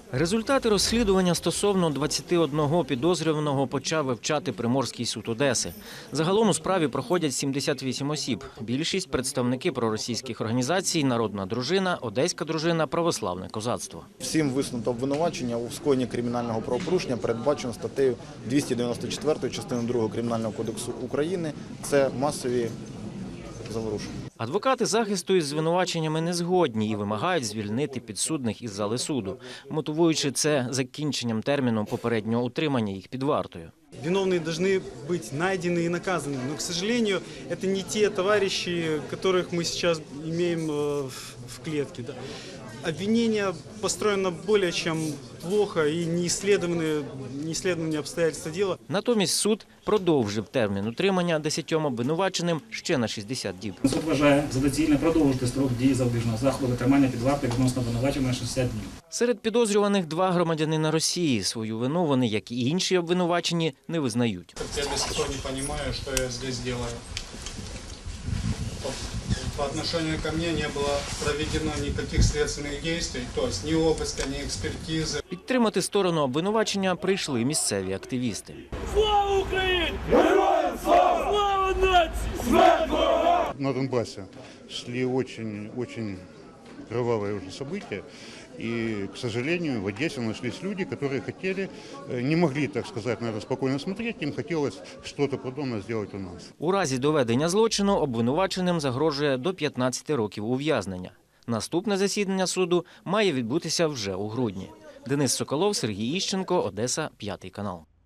Результати розслідування стосовно 21 підозрюваного почав вивчати Приморський суд Одеси. Загалом у справі проходять 78 осіб. Більшість – представники проросійських організацій «Народна дружина», «Одеська дружина», «Православне козацтво». Всім висунуто обвинувачення у скоєнні кримінального правопорушення, передбачено статтею 294 частини 2 Кримінального кодексу України. Це масові заворушення. Адвокати захисту із звинуваченнями не згодні і вимагають звільнити підсудних із зали суду, мотивуючи це закінченням терміну попереднього утримання їх під вартою. Виновные должны быть найдены и наказаны. Но, к сожалению, это не те товарищи, которых мы сейчас имеем в клетке. Да. Обвинение построено более чем плохо и не исследованы обстоятельства дела. Натомість суд продовжив термін утримання 10 обвинуваченим ще на 60 діб. Суд вважає за доцільне продовжити строк дії запобіжного заходу тримання під вартою відносно обвинуваченого на 60 днів. Серед підозрюваних 2 громадянина Росії. Свою вину вони, як і інші обвинувачені, не визнають. Я до сих пор не розумію, що я здесь делаю. По отношению ко мне не было проведено никаких следственных действий, то есть ни обыска, ни экспертизы. Підтримати сторону обвинувачення прийшли місцеві активісти. Слава Україні! Героям слава! Слава нації! Смерть ворогам! На Донбассе шли очень кровавые уже события. И, к сожалению, в Одессе нашлись люди, которые хотели, не могли, так сказать, наверное, спокойно смотреть, им хотелось что-то подобное сделать у нас. У разі доведення злочину обвинуваченим загрожує до 15 років ув'язнення. Наступне засідання суду має відбутися вже у грудні. Денис Соколов, Сергій Іщенко, Одеса, 5 канал.